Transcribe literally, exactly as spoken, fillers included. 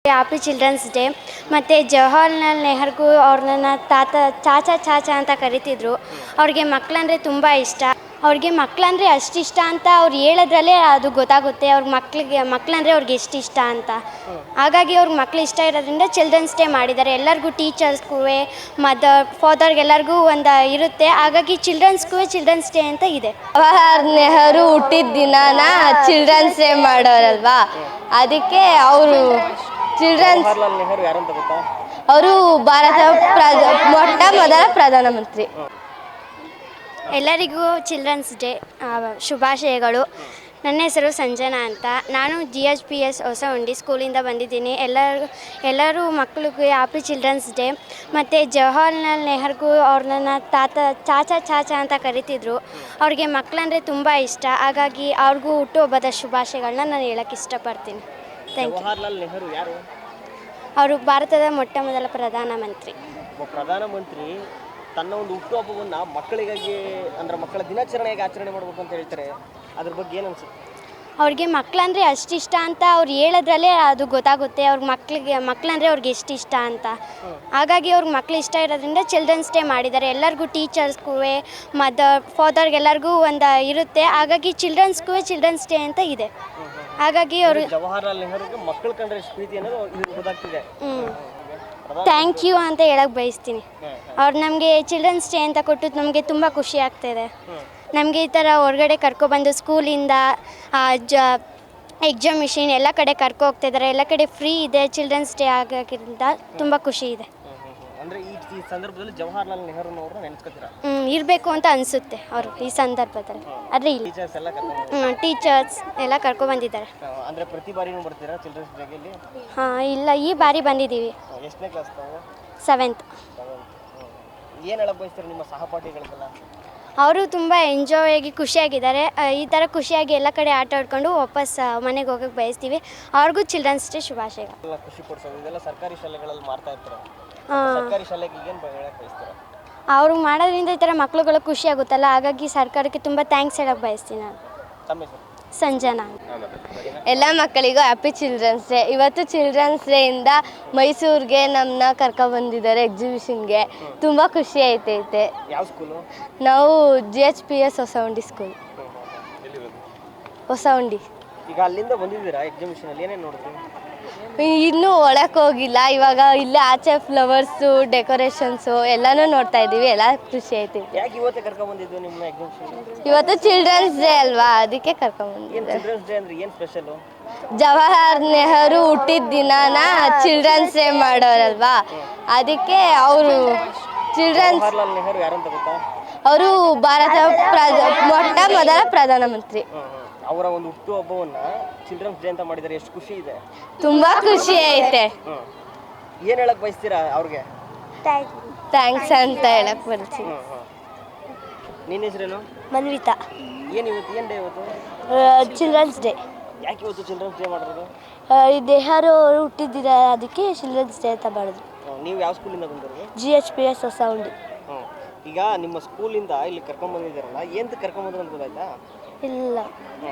Happy children's day ಮತ್ತು ಜವಾಹರ್ಲಾಲ್ ನೆಹರು ಅವ್ರನ್ನ ತಾತ ಚಾಚಾ ಚಾಚಾ ಅಂತ ಕರಿತಿದ್ರು. ಅವ್ರಿಗೆ ಮಕ್ಕಳಂದರೆ ತುಂಬ ಇಷ್ಟ. ಅವ್ರಿಗೆ ಮಕ್ಕಳಂದರೆ ಅಷ್ಟಿಷ್ಟ ಅಂತ ಅವ್ರು ಹೇಳೋದ್ರಲ್ಲೇ ಅದು ಗೊತ್ತಾಗುತ್ತೆ ಅವ್ರ ಮಕ್ಕಳಿಗೆ ಮಕ್ಕಳಂದರೆ ಅವ್ರಿಗೆ ಎಷ್ಟು ಇಷ್ಟ ಅಂತ. ಹಾಗಾಗಿ ಅವ್ರಿಗೆ ಮಕ್ಳು ಇಷ್ಟ ಇರೋದ್ರಿಂದ ಚಿಲ್ಡ್ರನ್ಸ್ ಡೇ ಮಾಡಿದ್ದಾರೆ. ಎಲ್ಲರಿಗೂ ಟೀಚರ್ಸ್ಗೂ ಮದರ್ ಫಾದರ್ಗೆಲ್ಲರಿಗೂ ಒಂದು ಇರುತ್ತೆ. ಹಾಗಾಗಿ ಚಿಲ್ಡ್ರನ್ಸ್ಗೂ ಚಿಲ್ಡ್ರನ್ಸ್ ಡೇ ಅಂತ ಇದೆ. ಜವಾಹರ್ ನೆಹರು ಹುಟ್ಟಿದ ದಿನಾನ ಚಿಲ್ಡ್ರನ್ಸ್ ಡೇ ಮಾಡೋರಲ್ವಾ, ಅದಕ್ಕೆ ಅವರು ಚಿಲ್ಡ್ರನ್ಸ್ ನೆಹರು ಯಾರು ಅಂತ ಗೊತ್ತಾ? ಅವರು ಭಾರತ ಮೊಟ್ಟ ಮೊದಲ ಪ್ರಧಾನಮಂತ್ರಿ. ಎಲ್ಲರಿಗೂ ಚಿಲ್ಡ್ರನ್ಸ್ ಡೇ ಶುಭಾಶಯಗಳು. ನನ್ನ ಹೆಸರು ಸಂಜನಾ ಅಂತ. ನಾನು G H P S Hosahundi ಸ್ಕೂಲಿಂದ ಬಂದಿದ್ದೀನಿ. ಎಲ್ಲರೂ ಎಲ್ಲರೂ ಮಕ್ಕಳಿಗೆ ಹ್ಯಾಪಿ ಚಿಲ್ಡ್ರನ್ಸ್ ಡೇ ಮತ್ತು ಜವಾಹರ್ಲಾಲ್ ನೆಹರು ಅವ್ರನ್ನ ತಾತ ಚಾಚಾ ಚಾಚಾ ಅಂತ ಕರಿತಿದ್ರು. ಅವ್ರಿಗೆ ಮಕ್ಕಳಂದರೆ ತುಂಬ ಇಷ್ಟ. ಹಾಗಾಗಿ ಅವ್ರಿಗೂ ಹುಟ್ಟುಹಬ್ಬದ ಶುಭಾಶಯಗಳನ್ನ ನಾನು ಹೇಳೋಕ್ಕೆ ಇಷ್ಟಪಡ್ತೀನಿ. Thank you. ಜವಾಹರ್ಲಾಲ್ ನೆಹರು ಯಾರು? ಅವರು ಭಾರತದ ಮೊಟ್ಟ ಮೊದಲ ಪ್ರಧಾನಮಂತ್ರಿ. ಪ್ರಧಾನಮಂತ್ರಿ ತನ್ನ ಒಂದು ಹುಟ್ಟುಹಬ್ಬವನ್ನು ಮಕ್ಕಳಿಗಾಗಿ ಅಂದರೆ ಮಕ್ಕಳ ದಿನಾಚರಣೆಯಾಗಿ ಆಚರಣೆ ಮಾಡಬೇಕು ಅಂತ ಹೇಳ್ತಾರೆ. ಅದ್ರ ಬಗ್ಗೆ ಏನು ಅನ್ಸುತ್ತೆ? ಅವ್ರಿಗೆ ಮಕ್ಕಳಂದರೆ ಅಷ್ಟಿಷ್ಟ ಅಂತ ಅವ್ರು ಹೇಳೋದ್ರಲ್ಲೇ ಅದು ಗೊತ್ತಾಗುತ್ತೆ ಅವ್ರ ಮಕ್ಕಳಿಗೆ ಮಕ್ಕಳಂದರೆ ಅವ್ರಿಗೆ ಎಷ್ಟು ಇಷ್ಟ ಅಂತ. ಹಾಗಾಗಿ ಅವ್ರಿಗೆ ಮಕ್ಳು ಇಷ್ಟ ಇರೋದ್ರಿಂದ ಚಿಲ್ಡ್ರನ್ಸ್ ಡೇ ಮಾಡಿದ್ದಾರೆ. ಎಲ್ಲರಿಗೂ ಟೀಚರ್ಸ್ಗೂ ಮದರ್ ಫಾದರ್ಗೆಲ್ಲರಿಗೂ ಒಂದು ಇರುತ್ತೆ. ಹಾಗಾಗಿ ಚಿಲ್ಡ್ರನ್ಸ್ಗೂ ಚಿಲ್ಡ್ರನ್ಸ್ ಡೇ ಅಂತ ಇದೆ. ಹಾಗಾಗಿ ಅವರು ಜವಾಹರ್ಲಾಲ್ ನೆಹರುಗೆ ಮಕ್ಕಳ ಕಂಡ್ರೆ ಎಷ್ಟು ಪ್ರೀತಿ ಅನ್ನೋದು ಗೊತ್ತಾಗ್ತಿದೆ. ಥ್ಯಾಂಕ್ ಯು ಅಂತ ಹೇಳಕ್ಕೆ ಬಯಸ್ತೀನಿ. ಅವ್ರು ನಮಗೆ ಚಿಲ್ಡ್ರನ್ಸ್ ಡೇ ಅಂತ ಕೊಟ್ಟು ನಮಗೆ ತುಂಬ ಖುಷಿ ಆಗ್ತಾಯಿದೆ. ನಮಗೆ ಈ ಥರ ಹೊರಗಡೆ ಕರ್ಕೊಬಂದು ಸ್ಕೂಲಿಂದ ಜ ಎಕ್ಸಾಮಿಷನ್ ಎಲ್ಲ ಕಡೆ ಕರ್ಕೊ ಹೋಗ್ತಾಯಿದ್ದಾರೆ. ಎಲ್ಲ ಕಡೆ ಫ್ರೀ ಇದೆ. ಚಿಲ್ಡ್ರನ್ಸ್ ಡೇ ಆಗೋದ್ರಿಂದ ತುಂಬ ಖುಷಿ ಇದೆ. ಅಂದರೆ ಈ ಸಂದರ್ಭದಲ್ಲಿ ಜವಾಹರ್ಲಾಲ್ ನೆಹರುನವ್ರನ್ನ ನೆನೆಸ್ಕೊತೀರಾ? ಹ್ಞೂ ಇರಬೇಕು ಅಂತ ಅನಿಸುತ್ತೆ ಅವರು ಈ ಸಂದರ್ಭದಲ್ಲಿ. ಆದರೆ ಇಲ್ಲ, ಟೀಚರ್ಸ್ ಎಲ್ಲ ಕರ್ಕೊಂಡು ಹ್ಞೂ ಟೀಚರ್ಸ್ ಎಲ್ಲ ಕರ್ಕೊಬಂದಿದ್ದಾರೆ. ಅಂದರೆ ಪ್ರತಿ ಬಾರಿನೂ ಬರ್ತೀರಾ ಚಿಲ್ಡ್ರನ್ಸ್ ಡೇಗೆ? ಹಾಂ ಇಲ್ಲ, ಈ ಬಾರಿ ಬಂದಿದ್ದೀವಿ. ಎಷ್ಟನೇ ಕ್ಲಾಸ್ ತಾವು? ಸೆವೆಂತ್. ಏನು ಹೇಳಕ್ಕೆ ಬಯಸ್ತೀರಾ ನಿಮ್ಮ ಸಹಪಾಠಿಗಳಿಗೆಲ್ಲ? ಅವರು ತುಂಬ ಎಂಜಾಯ್ ಆಗಿ ಖುಷಿಯಾಗಿದ್ದಾರೆ. ಈ ಥರ ಖುಷಿಯಾಗಿ ಎಲ್ಲ ಕಡೆ ಆಟ ಆಡ್ಕೊಂಡು ವಾಪಸ್ ಮನೆಗೆ ಹೋಗೋಕ್ಕೆ ಬಯಸ್ತೀವಿ. ಅವ್ರಿಗೂ ಚಿಲ್ಡ್ರನ್ಸ್ ಡೇ ಶುಭಾಶಯಗಳು. ಖುಷಿ ಪಡಿಸೋದು ಇದೆಲ್ಲ ಸರ್ಕಾರಿ ಶಾಲೆಗಳಲ್ಲಿ ಮಾಡ್ತಾ ಇರ್ತಾರೆ. ಸರ್ಕಾರಿ ಶಾಲೆಗೆ ಏನು ಹೇಳಕ್ಕೆ ಬಯಸ್ತೀರಾ? ಅವರು ಮಾಡೋದ್ರಿಂದ ಈ ಥರ ಮಕ್ಳುಗಳು ಖುಷಿ ಆಗುತ್ತಲ್ಲ, ಹಾಗಾಗಿ ಸರ್ಕಾರಕ್ಕೆ ತುಂಬ ಥ್ಯಾಂಕ್ಸ್ ಹೇಳಕ್ಕೆ ಬಯಸ್ತೀನಿ ನಾನು. ತಮ್ಮ ಹೆಸರು? ಸಂಜನಾ. ಎಲ್ಲ ಮಕ್ಕಳಿಗೂ ಹ್ಯಾಪಿ ಚಿಲ್ಡ್ರನ್ಸ್ ಡೇ. ಇವತ್ತು ಚಿಲ್ಡ್ರನ್ಸ್ ಡೇಯಿಂದ ಮೈಸೂರಿಗೆ ನಮ್ಮನ್ನ ಕರ್ಕೊಬಂದಿದ್ದಾರೆ ಎಕ್ಸಿಬಿಷನ್ಗೆ. ತುಂಬ ಖುಷಿ ಆಯ್ತೈತೆ. ಯಾವ ಸ್ಕೂಲು? ನಾವು G H P S Hosahundi school. Hosahundi. ಈಗ ಅಲ್ಲಿಂದ ಬಂದಿದ್ದೀರಾ ಎಕ್ಸಿಬಿಷನಲ್ಲಿ, ಏನೇನು ನೋಡಿದ್ರಿ? ಇನ್ನೂ ಒಳಕ್ಕೆ ಹೋಗಿಲ್ಲ. ಇವಾಗ ಇಲ್ಲೇ ಆಚೆ ಫ್ಲವರ್ಸು ಡೆಕೋರೇಷನ್ಸು ಎಲ್ಲನೂ ನೋಡ್ತಾ ಇದ್ದೀವಿ. ಎಲ್ಲ ಖುಷಿ ಆಯ್ತೈತೆ. ಯಾಕೆ ಇವತ್ತೇ ಕರ್ಕೊಂಡ್ಬಂದಿದ್ದು ನಿಮ್ಮ ಎಕ್ಸಿಬಿಷನ್? ಇವತ್ತು ಚಿಲ್ಡ್ರನ್ಸ್ ಡೇ ಅಲ್ವಾ, ಅದಕ್ಕೆ ಕರ್ಕೊಂಡ್ಬಂದಿದ್ದೆ. ಚಿಲ್ಡ್ರನ್ಸ್ ಡೇ ಅಂದ್ರೆ ಏನು ಸ್ಪೆಷಲು? ಜವಾಹರ್ ನೆಹರು ಹುಟ್ಟಿದ ದಿನಾನ ಚಿಲ್ಡ್ರನ್ಸ್ ಡೇ ಮಾಡೋರಲ್ವಾ, ಅದಕ್ಕೆ ಅವರು ಚಿಲ್ಡ್ರನ್ಸ್ ಜವಾಹರ್ಲಾಲ್ ನೆಹರು ಯಾರು ಅಂತ ಗೊತ್ತಾ? ಅವರು ಭಾರತ ಮೊಟ್ಟ ಮೊದಲ ಪ್ರಧಾನಮಂತ್ರಿ. ಅವರ ಒಂದು ಹುಟ್ಟುಹಬ್ಬವನ್ನ ಚಿಲ್ಡ್ರನ್ಸ್ ಡೇ ಅಂತ ಮಾಡಿದ್ದಾರೆ. ಎಷ್ಟು ಖುಷಿ ಇದೆ? ತುಂಬಾ ಖುಷಿ ಐತೆ. ಏನು ಹೇಳಕ್ ಬಯಸ್ತೀರಾ ಅವ್ರಿಗೆ? ಥ್ಯಾಂಕ್ಸ್ ಅಂತ ಹೇಳಕ್ ಬರ್ತೀನಿ. ನಿನ್ನ ಹೆಸರೇನು? ಮನ್ವಿತಾ. ಏನು ಇವತ್ತು ಏನು ಡೇ ಇವತ್ತು? Children's day. ಯಾಕೆ ಇವತ್ತು ಚಿಲ್ಡ್ರನ್ಸ್ ಡೇ ಮಾಡಿರೋದು? ಈ ನೆಹರು ಅವರು ಹುಟ್ಟಿದ್ದೀರ, ಅದಕ್ಕೆ ಚಿಲ್ಡ್ರನ್ಸ್ ಡೇ ಅಂತ ಮಾಡಿದ್ರು. ನೀವು ಯಾವ ಸ್ಕೂಲಿಂದ ಬಂದಿರೋದು? G H P S Hosahundi. ಹ್ಞೂ. ಈಗ ನಿಮ್ಮ ಸ್ಕೂಲಿಂದ ಇಲ್ಲಿ ಕರ್ಕೊಂಡ್ಬಂದಿದ್ದಾರಲ್ಲ, ಏನು ಕರ್ಕೊಂಡ್ಬಂದ್ರು ಅಂತ ಗೊತ್ತಾಯ್ತಾ? ಇಲ್ಲ.